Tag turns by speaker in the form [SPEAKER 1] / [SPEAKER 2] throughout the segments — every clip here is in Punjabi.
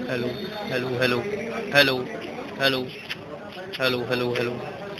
[SPEAKER 1] Hello hello hello hello hello hello hello hello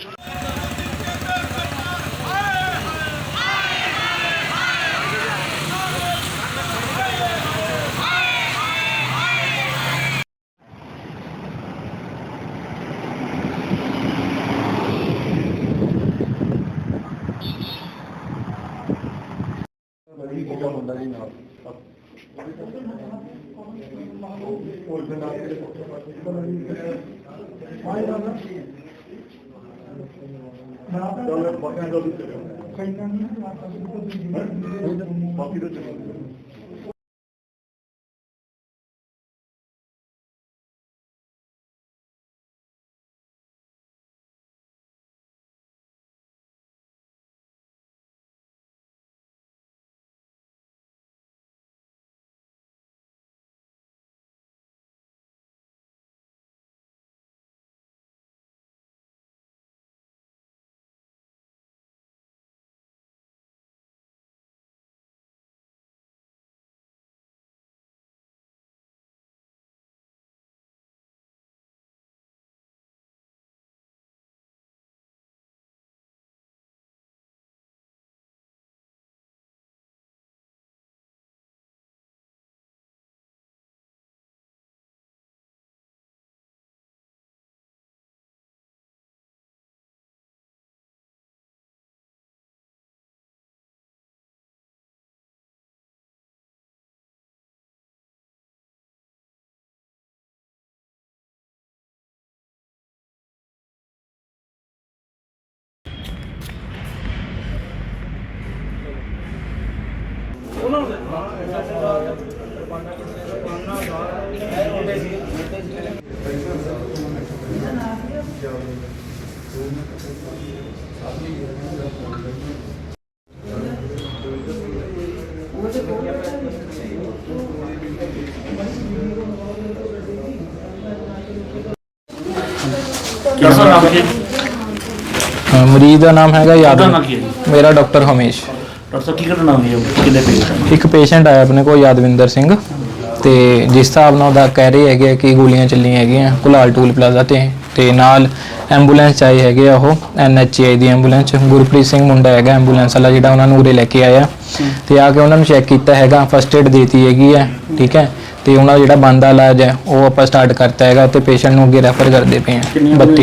[SPEAKER 2] ਮਰੀਜ਼ ਦਾ ਨਾਮ ਹੈਗਾ ਯਾਦਵਿੰਦਰ। ਮੇਰਾ ਡਾਕਟਰ ਹਮੇਸ਼।
[SPEAKER 3] ਡਾਕਟਰ ਸਾਹਿਬ ਕੀ ਘਟਨਾ ਹੋਈ ਹੈ? ਕਿੰਨੇ ਪੇਸ਼ੈਂਟ?
[SPEAKER 2] ਇੱਕ ਪੇਸ਼ੈਂਟ ਆਇਆ ਆਪਣੇ ਕੋਲ ਯਾਦਵਿੰਦਰ ਸਿੰਘ, ਤੇ ਜਿਸ ਹਿਸਾਬ ਨਾਲ ਉਹਦਾ ਕਹਿ ਰਹੇ ਹੈਗੇ ਕਿ ਗੋਲੀਆਂ ਚੱਲੀਆਂ ਹੈਗੀਆਂ ਕੁਲਾਲ ਟੂਲ ਪਲਾਜ਼ਾ ਤੇ ਨਾਲ ਐਂਬੂਲੈਂਸ 'ਚ ਆਏ ਹੈਗੇ ਆ। ਉਹ NHI ਦੀ ਐਂਬੂਲੈਂਸ, ਗੁਰਪ੍ਰੀਤ ਸਿੰਘ ਮੁੰਡਾ ਹੈਗਾ ਐਂਬੂਲੈਂਸ ਵਾਲਾ ਜਿਹੜਾ ਉਹਨਾਂ ਨੂੰ ਉਰੇ ਲੈ ਕੇ ਆਇਆ, ਤੇ ਆ ਕੇ ਉਹਨਾਂ ਨੂੰ ਚੈੱਕ ਕੀਤਾ ਹੈਗਾ, ਫਸਟ ਏਡ ਦੇਤੀ ਹੈਗੀ ਹੈ, ਠੀਕ ਹੈ। ਤੇ ਉਹਨਾਂ ਦਾ ਜਿਹੜਾ ਬਣਦਾ ਇਲਾਜ ਹੈ ਉਹ ਆਪਾਂ ਸਟਾਰਟ ਕਰਤਾ ਹੈਗਾ, ਤੇ ਪੇਸ਼ੈਂਟ ਨੂੰ ਅੱਗੇ ਰੈਫਰ ਕਰਦੇ ਪਏ ਹਾਂ। 32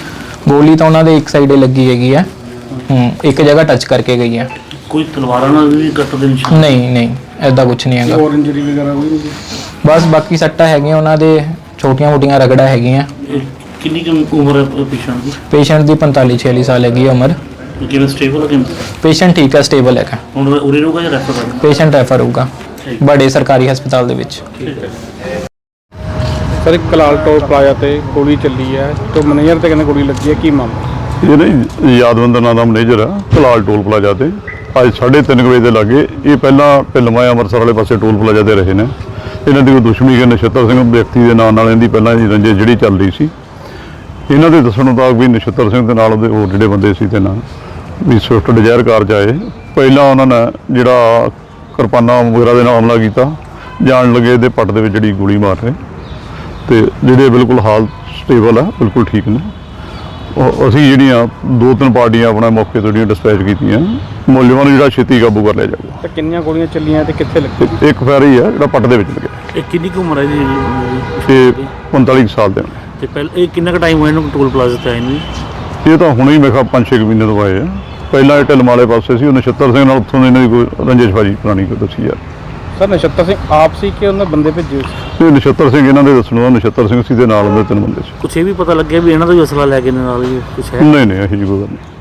[SPEAKER 2] ਗੋਲੀ ਤਾਂ ਉਹਨਾਂ ਦੇ ਇੱਕ ਸਾਈਡੇ ਲੱਗੀ ਹੈਗੀ ਹੈ, ਇੱਕ ਜਗ੍ਹਾ ਟੱਚ ਕਰਕੇ ਗਈ ਹੈ।
[SPEAKER 3] ਕੋਈ ਤਲਵਾਰਾਂ ਨਾਲ ਵੀ ਕੱਟ ਦੇ ਨਿਸ਼ਾਨ?
[SPEAKER 2] ਨਹੀਂ ਐਦਾਂ ਕੁਝ ਨਹੀਂ ਹੈਗਾ।
[SPEAKER 3] ਹੋਰ ਇੰਜਰੀ ਵਗੈਰਾ ਕੋਈ ਨਹੀਂ?
[SPEAKER 2] ਬਸ ਬਾਕੀ ਸੱਟਾਂ ਹੈਗੀਆਂ ਉਹਨਾਂ ਦੇ, ਛੋਟੀਆਂ-ਮੋਟੀਆਂ ਰਗੜਾ ਹੈਗੀਆਂ।
[SPEAKER 3] ਕਿੰਨੀ ਕੁ ਉਮਰ ਹੈ ਪੇਸ਼ੈਂਟ ਦੀ?
[SPEAKER 2] ਪੇਸ਼ੈਂਟ ਦੀ 45-46 ਸਾਲ ਹੈਗੀ ਹੈ ਉਮਰ।
[SPEAKER 3] ਕਿਵੇਂ ਸਟੇਬਲ ਹੈ ਕਿਵੇਂ?
[SPEAKER 2] ਪੇਸ਼ੈਂਟ ਠੀਕ ਹੈ, ਸਟੇਬਲ ਹੈਗਾ।
[SPEAKER 3] ਹੁਣ ਉਰੇ ਰਹੂਗਾ ਜਾਂ ਰੈਫਰ ਕਰਨਾ?
[SPEAKER 2] ਪੇਸ਼ੈਂਟ ਰੈਫਰ ਹੋਊਗਾ ਬੜੇ ਸਰਕਾਰੀ ਹਸਪਤਾਲ ਦੇ ਵਿੱਚ।
[SPEAKER 4] ਸਰ ਇੱਕ ਕਲਾਲ ਟੋਲ ਪਲਾਜ਼ਾ ਤੇ ਗੋਲੀ ਚੱਲੀ ਹੈ, ਤੇ ਮੈਨੇਜਰ ਤੇ ਕਹਿੰਦੇ ਗੋਲੀ ਲੱਗੀ ਹੈ, ਕੀ ਮਾਮਲਾ?
[SPEAKER 5] ਇਹ ਨਹੀਂ ਯਾਦਵਿੰਦਰ ਨਾਂ ਦਾ ਮੈਨੇਜਰ ਆ ਕਲਾਲ ਟੋਲ ਪਲਾਜ਼ਾ ਤੇ ਅੱਜ 3:30 ਵਜੇ ਦੇ ਲਾਗੇ। ਇਹ ਪਹਿਲਾਂ ਢਿਲਮਾ ਅੰਮ੍ਰਿਤਸਰ ਵਾਲੇ ਪਾਸੇ ਟੋਲ ਪਲਾਜ਼ਾ ਤੇ ਰਹੇ ਨੇ। ਇਹਨਾਂ ਦੀ ਕੋਈ ਦੁਸ਼ਮਣੀ ਕਿ ਨਛੱਤਰ ਸਿੰਘ ਵਿਅਕਤੀ ਦੇ ਨਾਂ ਨਾਲ ਇਹਦੀ ਪਹਿਲਾਂ ਦੀ ਰੰਜਿਸ਼ ਜਿਹੜੀ ਚੱਲ ਰਹੀ ਸੀ। ਇਹਨਾਂ ਦੇ ਦੱਸਣ ਮੁਤਾਬਕ ਵੀ ਨਛੱਤਰ ਸਿੰਘ ਦੇ ਨਾਲ ਉਹਦੇ ਹੋਰ ਜਿਹੜੇ ਬੰਦੇ ਸੀ ਤੇ ਨਾਲ ਵੀ ਸਵਿਫਟ ਡਿਜ਼ਾਇਰ ਕਾਰ 'ਚ ਆਏ। ਪਹਿਲਾਂ ਉਹਨਾਂ ਨੇ ਜਿਹੜਾ ਕਿਰਪਾਨਾਂ ਵਗੈਰਾ ਦੇ ਨਾਲ ਹਮਲਾ ਕੀਤਾ, ਜਾਣ ਲੱਗੇ ਇਹਦੇ ਪੱਟ ਦੇ ਵਿੱਚ ਜਿਹੜੀ ਗੋਲੀ ਮਾਰ ਰਹੇ, ਤੇ ਜਿਹੜੇ ਬਿਲਕੁਲ ਹਾਲ ਸਟੇਬਲ ਆ, ਬਿਲਕੁਲ ਠੀਕ ਨੇ। ਅਸੀਂ ਜਿਹੜੀਆਂ 2-3 ਪਾਰਟੀਆਂ ਆਪਣਾ ਮੌਕੇ ਤੋਂ ਜਿਹੜੀਆਂ ਡਿਸਪੈਚ ਕੀਤੀਆਂ, ਮੁਲਜ਼ਮਾਂ ਨੂੰ ਜਿਹੜਾ ਛੇਤੀ ਕਾਬੂ ਕਰ ਲਿਆ ਜਾਊਗਾ।
[SPEAKER 4] ਤੇ ਕਿੰਨੀਆਂ ਗੋਲੀਆਂ ਚੱਲੀਆਂ ਤੇ ਕਿੱਥੇ ਲੱਗੀ?
[SPEAKER 5] ਇੱਕ ਫੈਰ ਹੀ ਆ ਜਿਹੜਾ ਪੱਟ ਦੇ ਵਿੱਚ ਲੱਗਿਆ।
[SPEAKER 3] ਇਹ ਕਿੰਨੀ ਕੁ ਉਮਰ ਹੈ ਜੀ?
[SPEAKER 5] ਇਹ 45 ਸਾਲ ਦੇ ਨੇ।
[SPEAKER 3] ਤੇ ਪਹਿਲਾਂ ਇਹ ਕਿੰਨਾ ਕੁ ਟਾਈਮ ਹੋਇਆ ਇਹਨੂੰ ਟੋਲ ਪਲਾਜ਼ਾ ਤੇ ਆਏ ਨੂੰ?
[SPEAKER 5] ਇਹ ਤਾਂ ਹੁਣੇ ਹੀ ਮੈਂ ਕਿਹਾ 5-6 ਮਹੀਨੇ ਤੋਂ ਆਏ ਆ। ਪਹਿਲਾਂ ਇਹ ਢਿਲਮ ਵਾਲੇ ਪਾਸੇ ਸੀ, ਉਹ ਨਛੱਤਰ ਸਿੰਘ ਨਾਲ ਉੱਥੋਂ ਇਹਨਾਂ ਦੀ ਕੋਈ ਰੰਜਿਸ਼ਬਾਜੀ ਪੁਰਾਣੀ ਕੋਈ ਦੱਸੀ ਯਾਰ।
[SPEAKER 4] ਸਰ ਨਛੱਤਰ ਸਿੰਘ ਆਪ ਸੀ ਕਿ ਉਹਨਾਂ ਬੰਦੇ ਭੇਜੇ ਸੀ?
[SPEAKER 5] ਇਹ ਨਛੱਤਰ ਸਿੰਘ ਇਹਨਾਂ ਦੇ ਦੱਸਣ ਦਾ ਨਛੱਤਰ ਸਿੰਘ ਸੀ ਦੇ ਨਾਲ ਉਹਦੇ 3 ਬੰਦੇ ਸੀ।
[SPEAKER 3] ਕੁਛ ਇਹ ਵੀ ਪਤਾ ਲੱਗਿਆ ਵੀ ਇਹਨਾਂ ਦਾ ਵੀ ਅਸਲਾ ਲੈ ਕੇ ਨਾਲ ਹੀ ਕੁਛ ਹੈ?
[SPEAKER 5] ਨਹੀਂ ਇਹੋ ਜਿਹੀ ਕੋਈ ਗੱਲ ਨਹੀਂ।